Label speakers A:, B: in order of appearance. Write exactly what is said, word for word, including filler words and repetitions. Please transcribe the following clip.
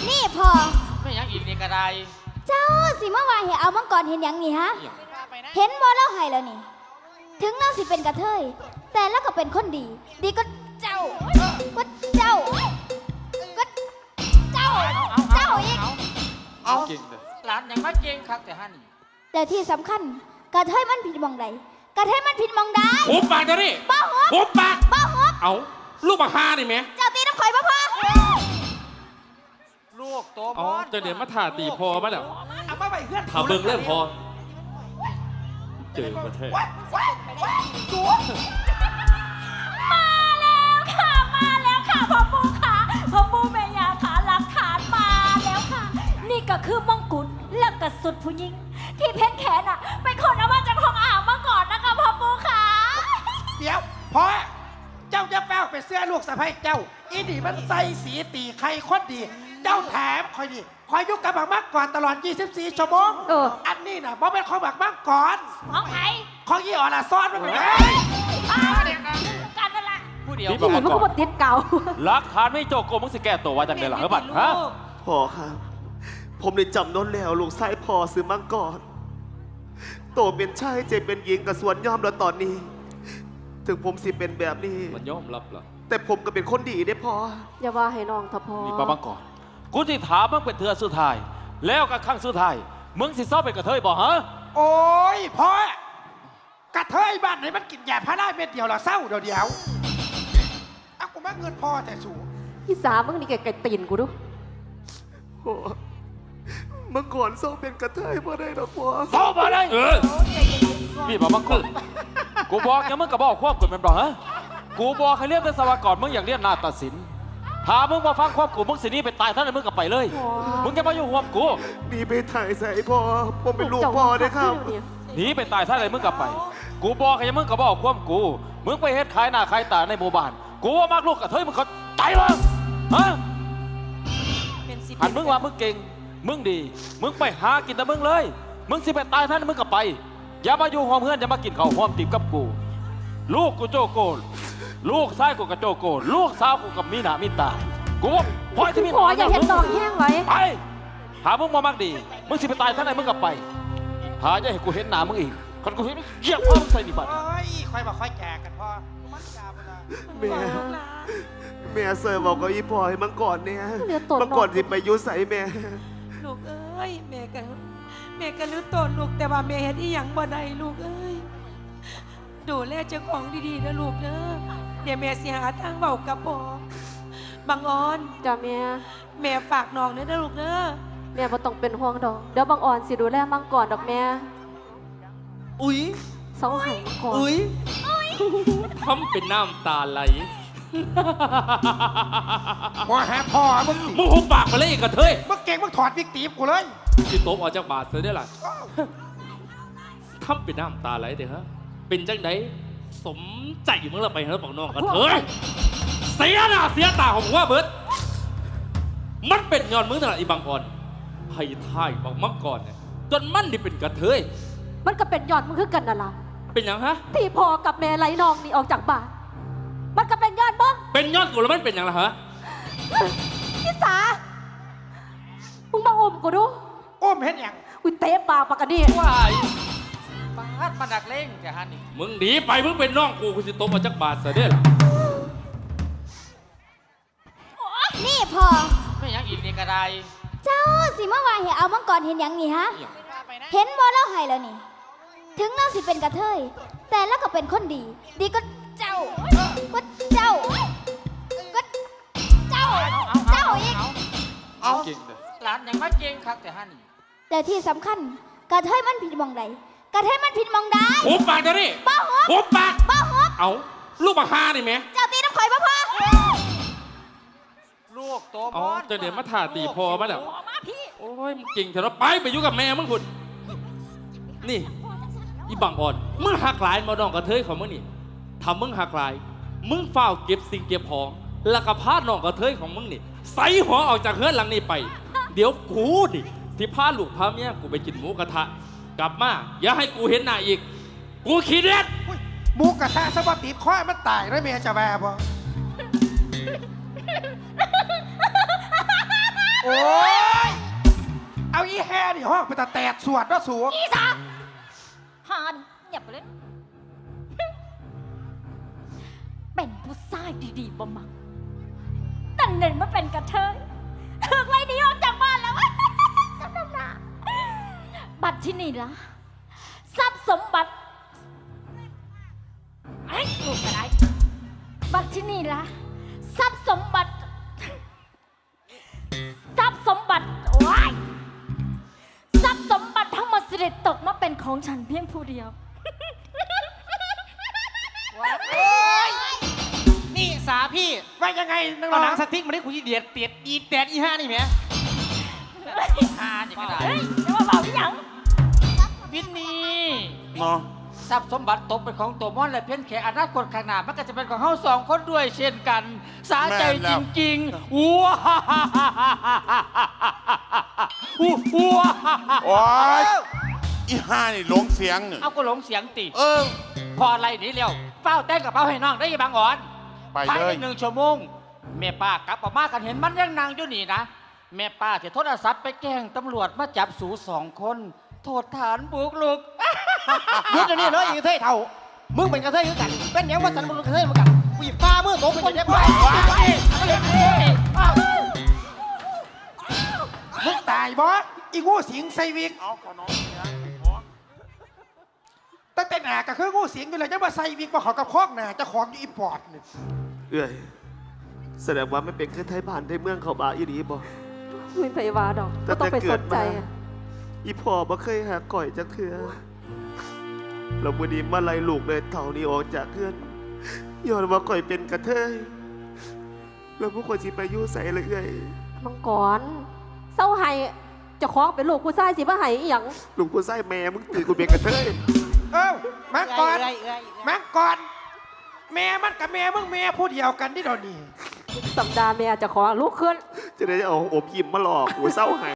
A: นี่พอ
B: ไม่ยังอีกนี่ก็ได้
A: เจ้าสิมาว่าเห็นเอามังกรเห็นอย่างนี้ฮะเห็นบ่เล่าให้แล้วนี่ถึงเราสิเป็นกระเทยแต่แล้วก็เป็นคนดีดีก็เจ้าก็เจ้าก็เจ้าเจ้าอีก
B: เอาเก่งเลยหลานยังมาเก่งครับแต่ฮันนี่
A: แต่ที่สำคัญกระเทยมันผิดมองใดกระเทยมันผิดมองใด
C: หุบปากเดี๋ยวนี้
A: บ้าหุบ
C: หุบปาก
A: บ้าหุบ
C: เอาลูกมาหานี่ไหม
A: เจ้าตีน้ำข่อยบ่พอ
B: ลูกโตบ
C: อ
B: อ
C: ลจะเดี๋ยวมาถ่าตีพอมาแล้ว
B: เอามาไปเพื่อน
C: ถ่าเบิ่งเรื่องพอเจอประเทศ
D: มาแล้วค่ะมาแล้วค่ะพ่อปู่ค่ะพ่อปู่แม่ย่าค่ะหลักฐานมาแล้วค่ะนี่ก็คือมงกุฎและกระสุดผู้หญิงที่เพชรแขนอ่ะเป็นคนเอามาจากห้องอ่างมาก่อนนะคะพ่อปู่ค่ะ
E: เดี๋ยวพอเจ้าจะแป้วไปเสื้อลูกสะใภ้เจ้าอีนี่มันใส่สีตีใครคนดีเจ้าแถมคอยดีคอยยุกกับบักมักก่อนตลอดยี่สิบสี่ชั่วโมงเอออันนี้น่ะบ่เป็นของบักมักก่อน
D: ของใคร
E: ของยี่อ่อนละซ้อนมันไปเลย
D: กันนั่นแหละ
B: ผู้เดียว
D: นี่มันก็บติดเก่า
C: หลักฐานไม่โจโกมึงสิแก้ตัวว่าจังได๋ล่ะเฮ้ยบัดฮะ
F: พ่อครับผมได้จำน้นแล้วลูกชายพ่อซื้อมังกรโตเป็นชายเจ็บเป็นหญิงกับสวนยอมแล้วตอนนี้ถึงผมสิเป็นแบบนี้
C: มันยอมรับล่ะ
F: แต่ผมก็เป็นคนดีได้พ่อ
D: อย่าว่าให้น้องทัพพ่อ
C: นี่ป้าบังก่อนกูที่ถามมึงเป็นเถื่อสุดท้ายแล้วกับข้างสุดท้ายมึงสิเศร้าเป็นกระเทยบ่ฮะ
E: โอ้ยพ่อกระเทยบ้านไหนมันกินยาพาราเม็ดเดียวละเศร้าเดียวเดียวเอากูมาเงินพ่อแต่สูง
D: พี่สามึงนี่แกไก่ตีนกูดู
F: พ่อเมื่อก่อนเศร้าเป็นกระเทยพ่อได้หรอพ่อ
C: เศร้าบ่ได้เออนี่ป้าบังก่อนกูบอกยังมึงกับบอกควบกดมันบ่ฮะกูบอกให้เรียนเป็นสวากรมึงอยากเรียนนาฏศิลป์ถ้ามึงมาฟังควบกูมึงสินี่ไปตายท่านมึงก็ไปเลยมึงจะมาอยู่ห่วงกู
F: หนีไปถ่ายใส่พ่อผมเป็นลูกพ่อได้ครับ
C: หนีไปตายท่านอะไรมึงกลับไปกูบอกให้มึงกับบอกควบกูมึงไปเฮ็ดขายหน้าขายตาในหมู่บ้านกูว่ามากลูกกับเฮ้ยมึงเขาใจมึงฮะหันมึงว่ามึงเก่งมึงดีมึงไปหากินแต่มึงเลยมึงสิไปตายท่านมึงกลับไปอย่ามาอยู่ห้องเพื่อนอย่ามากินข้าวห้อมติบกับกูลูกกูโจโกลูกชายกูกับโจโกลูกสาวกูกับมีหน้ามีตากูว่าพอที่มี
D: พออย่าเห็นน้องแห้งไว้
C: ไปหามึงมามากดีมึงสิไปตายท่านไหนมึงกลับไปหาอย่าให้กูเห็นหน้ามึงอีกคนกูเห็นมึงเยี่ยมพ่อมึงใส่ดิบัตร
E: โอ้ยค่อยบอกค่อยแจกกันพ่อ
F: แม่แม่เสิร์ฟบอกกับอีพ่อให้มังก่อนเนี่ยมังก่อนสิไปยุใส่แม่
G: ลูกเอ้ยแม่กันแม่กันรู้ตนลูกแต่ว่าแม่เห็นอีหยังบ่ได้ลูกเอ้ยดูแลเจ้าของดีๆนะลูกเด้อเดี๋ยวแม่สิหาทางเบากับพ่อบางออน
D: จ้าแม่
G: แม่ฝากน้องเด้อลูกเด้อ
D: แม่บ่ต้องเป็นห่วงดอกเดี๋ยวบางอ่อนสิดูแลมังก่อนดอกแม่
H: อุ๊ย
D: เสาไห้ก่อน
H: อุ๊ย
C: ทำเป็นน้ำตาไหล
E: พ่อหาพ่อมึง
C: มึงหุบปากมาเลยกระเทย
E: มึงเก่งมึงถอดวิกตีบกูเลย
C: จิโต๊ะออกจากบาทเสียได้หรอทำเป็นน้ำตาไหลเด้อฮะเป็นจังไดสมใจมึงละไปเฮ้ยบอกน้องกระเทยเสียหน้าเสียตาของมึงว่าเบิร์ดมันเป็นย้อนมึงตั้งแต่อีบางอ่อนให้ท่ายบอกมังกรเนี่ยจนมันนี่เป็นกระเทย
D: มันก็เป็นย้อนมึงคือกันน่ะล่ะ
C: เป็นยังฮะ
D: ที่พ่อกับแม่ไหลน้องนี่ออกจากบ้านมันก็เป็นย้อนมึง
C: เป็นย้อนกูแล้วมันเป็นยังล่ะฮะ
D: พี่สามึงมาอมกูดู
E: อ้มเห็นยัง
D: อุ้ยเตะปากปากกันดิ
B: ว้ายบาดมาดักเล่งแกฮันนี่
C: มึงหนีไปมึงเป็นน้องกูกูสิโตมาจากบาทเสียได้หรอ
A: นี่พอ
B: ไม่ยังอีกนี่ก็ได้
A: เจ้าสิมาว่าเห็นเอามังกรเห็นอย่างนี้ฮะเห็นบ่เล่าให้แล้วนี่ถึงเราสิเป็นกระเทยแต่แล้วก็เป็นคนดีดีก็เจ้าก็เจ้าก็เจ้าเจ้าอีก
B: เอาเก่งเลยหลานยังมาเก่งครับแต่ฮันนี่
A: แต่ที่สำคัญกระเทยมันผิดมองใดกระเทยมันผิดมองใด
C: หุบปากเดี๋ยวนี้
A: บ้าหุบ
C: หุบปาก
A: บ้าหุบ
C: เอาลูกมาหานี่ไหม
A: เจ้าตีน้ำข่อยบ่พอ
B: ลูกโตบ
C: อลจะเดี๋ยวมาถ่าตีพอมาแล้วโอ้ยมึงเก่งเถอะไปไปอยู่กับแม่มึงคุณนี่อีบังอ่อนมึงหักหลายมาดองกระเทยของมึงนี่ทำมึงหักหลายมึงเฝ้าเก็บสิ่งเก็บของแล้วก็พาน้องกระเทยของมึงนี่ใส่หัวออกจากเฮือนหลังนี้ไปเดี๋ยวกูดิที่พาลูกพาเมียกูไปกินหมูกระทะกลับมาอย่าให้กูเห็นหน้าอีกกูขี้เด็ด
E: หมูกระทะสวัสดีข้อมันตายแล้วเมียจะแวบบ่โโอ้ยเอาอีแฮนี่ห้องไปแต่แตกสวดว่าสูง
D: อีสาหานเงียบไปเลย เป็นผู้ชายดีๆบ่มักแต่เน้นมาเป็นกระเทยถึกไรหนีออกจากบ้านแล้ว สำนักหนาบัตรที่นี่ละทรัพย์สมบัติไอ้ลูกอะไรบัตรที่นี่ละทรัพย์สมบัติทรัพย์สมบัติโอ้ยทรัพย์สมบัติทั้งหมดสิริตกมาเป็นของฉันเพียงผู้เดียว
B: นี่สาพี่
E: ว่ายังไงนัง
B: เอาหนั
E: ร้อง
B: สติ๊กมาได้คุยเดียดเตียดอีแตดอีห้านี่แหมห้านี่ก็ได้
D: เฮ้ยจะมาเบาอีหยัง
B: วินนี่
H: เนาะ
B: ทรัพย์สมบัติตกเป็นของตัวม่อนและเพี้ยนแขอนาคตข้างหน้ามันก็จะเป็นของเฮาสองคนด้วยเช่นกัน สาใจจริงๆว้าอู้ว้า
I: โอ้ยอีห่านี่หลงเสียงเนี่ย
B: เอาก็หลงเสียงติ
I: เออ
B: พออะไรนี่เร็วเฝ้าแต่งกับเป้าให้น้องได้ยังบางอ่อน
I: ไป
B: ภาย
I: เล
B: ใน
I: ย
B: หนึ่งชั่วโมงแม่ป้ากลับออกมากันเห็นมันยังนางอยู่นี่นะแม่ป้าจะโทรศัพท์ไปแจ้งตำรวจมาจับสูสองคนโทษฐานบุกลุก
J: ยุดเดี๋ยวนี้เลยอีกเท่เท่า มึงเป็นกระเทยคือกัน เป็นหยังว่าสันมึงเป็นกระเทยเหมือนกันกูหยิบฟ้ามือตกเป็นยังไง
E: มึงตายบอสอีงูสิงไซวิก
I: เอาขอน้องเนี่ย
E: ตั้งแต่หนาก็คืองูสิงไปเลยจะมาไซวิกมาขอกับคอกหนาเจะของอยู่อีปอดนี่
F: เอ้ยแสดงว่าไม่เป็นคือไทยบ้านไทยเมืองเขาบาอีดีบ่
G: ไม่ไปว่าดอกก็ต้องไปสนใจอะ
F: อีพ่อบ่เคยหาก่อยจักเทื่อเราบ่ดีมาไล่ลูกเลยเท่านี้ออกจากเพื่อนย้อนว่าก่อยเป็นกระเทยแล้วพวกคนสิไปอยู่ใส่เลยเอ้ย
G: มังกรเศร้าไห้เจะคล้าของเป็นลูกผู้ชายสิบ่ไห้อีหยัง
F: ลูกกูใส่แม่มึงตื่นกูเป็นกระเทย
E: เอ้ามังกร
J: เอ้ยเอ้ยเอ้ย
E: มังกรแม่มันกับแม่มึงแม่ผู้เดียวกันที่เดยวนี้
G: สัปดาห์แม่เจะของลูกขึ้น
F: จะได้เอาอบยิ้มมาหลอกกูเศร้าหาย